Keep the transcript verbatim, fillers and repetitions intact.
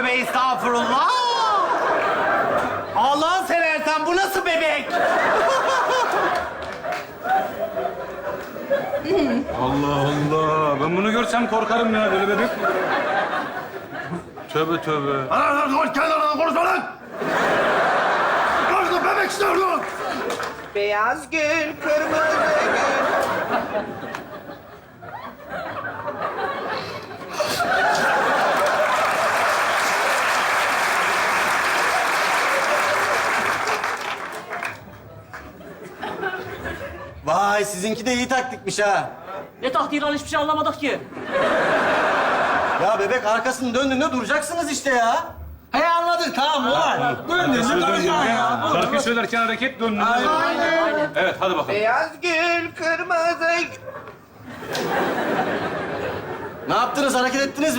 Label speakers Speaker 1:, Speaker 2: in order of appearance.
Speaker 1: tövbe estağfurullah. Allah'ın seversen bu nasıl bebek?
Speaker 2: Allah Allah. Ben bunu görsem korkarım ya. Böyle bebek mi? Tövbe tövbe.
Speaker 3: Lan lan lan kenardan konuşma lan! Karşıda bebek istiyor lan!
Speaker 4: Beyaz gül, kırmızı gül.
Speaker 5: Vay sizinki de iyi taktikmiş ha.
Speaker 6: Ne taktiği lan hiçbir şey anlamadık ki.
Speaker 5: Ya bebek arkasını döndüğünde duracaksınız işte ya.
Speaker 7: He anladık tamam olay. Döndün
Speaker 2: Söz
Speaker 7: mü duracaksın ya.
Speaker 2: Şarkı söylerken hareket döndü.
Speaker 6: Aynen.
Speaker 2: Evet hadi bakalım.
Speaker 4: Beyaz gül, kırmızı gül.
Speaker 5: Ne yaptınız? Hareket ettiniz mi?